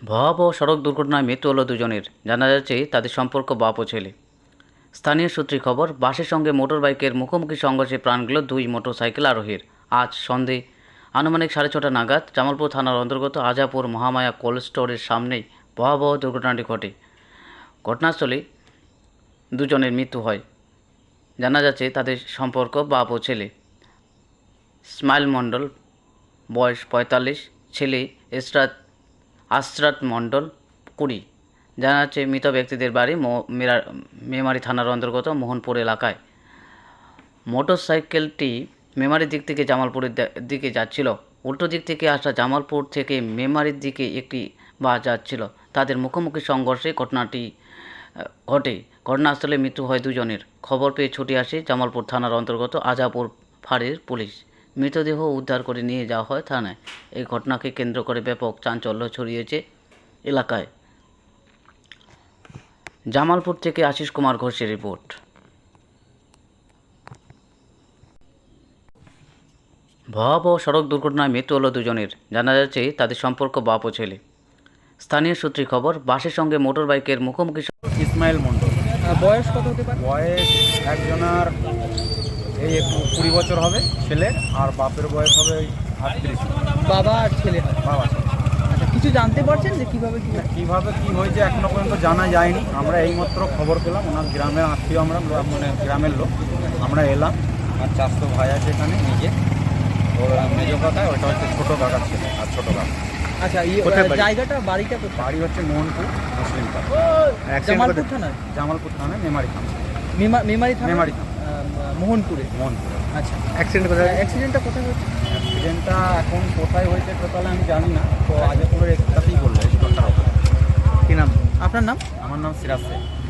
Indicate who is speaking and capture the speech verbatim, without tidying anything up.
Speaker 1: ভয়াবহ সড়ক দুর্ঘটনায় মৃত্যু হলো দুজনের। জানা যাচ্ছে তাদের সম্পর্ক বাপ ও ছেলে। স্থানীয় সূত্রে খবর, বাসের সঙ্গে মোটরবাইকের মুখোমুখি সংঘর্ষে প্রাণ গেল দুই মোটরসাইকেল আরোহীর। আজ সন্ধে আনুমানিক সাড়ে ছটা নাগাদ জামালপুর থানার অন্তর্গত আজাপুর মহামায়া কোল্ড স্টোরের সামনেই ভয়াবহ দুর্ঘটনাটি ঘটে। ঘটনাস্থলে দুজনের মৃত্যু হয়। জানা যাচ্ছে তাদের সম্পর্ক বাপ ও ছেলে। স্মাইল মণ্ডল, বয়স পঁয়তাল্লিশ, ছেলে ইসরাত আশরাত মণ্ডল, কুড়ি। জানা যাচ্ছে মৃত ব্যক্তিদের বাড়ি মেমারি থানার অন্তর্গত মোহনপুর এলাকায়। মোটরসাইকেলটি মেমারির দিক থেকে জামালপুরের দিকে যাচ্ছিল। উল্টো দিক থেকে আসা জামালপুর থেকে মেমারির দিকে একটি বাস যাচ্ছিল। তাদের মুখোমুখি সংঘর্ষে ঘটনাটি ঘটে। ঘটনাস্থলে মৃত্যু হয় দুজনের। খবর পেয়ে ছুটে আসে জামালপুর থানার অন্তর্গত আজাপুর ফাঁড়ির পুলিশ। মৃতদেহ উদ্ধার করে নিয়ে যাওয়া হয় থানায়। এই ঘটনাকে কেন্দ্র করে ব্যাপক চাঞ্চল্য ছড়িয়েছে এলাকায়। জামালপুর থেকে আশিস কুমার ঘোষের রিপোর্ট। ভয়াবহ সড়ক দুর্ঘটনায় মৃত্যু হলো দুজনের। জানা যাচ্ছে তাদের সম্পর্ক বাপ ও ছেলে। স্থানীয় সূত্রে খবর, বাসের সঙ্গে মোটরবাইকের মুখোমুখি।
Speaker 2: ইসমাইল মণ্ডল।
Speaker 3: বয়স কত হতে পারে?
Speaker 2: বয়স একজনের এই একটু কুড়ি বছর হবে ছেলে, আর বাপের বয়স হবে আটত্রিশ।
Speaker 3: বাবা আর ছেলে হয়?
Speaker 2: বাবা।
Speaker 3: আচ্ছা, কিছু জানতে পারছেন যে কীভাবে কী
Speaker 2: কীভাবে কী হয়েছে এখনো পর্যন্ত জানা যায়নি। আমরা এইমাত্র খবর পেলাম, ওনার গ্রামের আত্মীয়, আমরা মানে গ্রামের লোক, আমরা এলাম। আর চাষতো ভাই আছে এখানে নিজে, ওর মেজো কথায় ওইটা হচ্ছে ছোটো কাকার ছেলে আর ছোটো কাকা।
Speaker 3: আচ্ছা, এই জায়গাটা বাড়িটা কোথায়?
Speaker 2: বাড়ি হচ্ছে মোহনপুর মুসলিম পাড়া,
Speaker 3: জামালপুর থানায়?
Speaker 2: জামালপুর থানায় মেমারি থানা।
Speaker 3: মেমারি থানা?
Speaker 2: মেমারি থানা,
Speaker 3: মোহনপুরে।
Speaker 2: মোহনপুরে।
Speaker 3: আচ্ছা, অ্যাক্সিডেন্ট কোথায়? অ্যাক্সিডেন্টটা কোথায় হয়েছে?
Speaker 2: অ্যাক্সিডেন্টটা এখন কোথায় হয়েছে টোটাল আমি জানি না, তো আজাপুরের একটাতেই বললো।
Speaker 3: কী নাম আপনার? নাম?
Speaker 2: আমার নাম সিরাজ শেখ।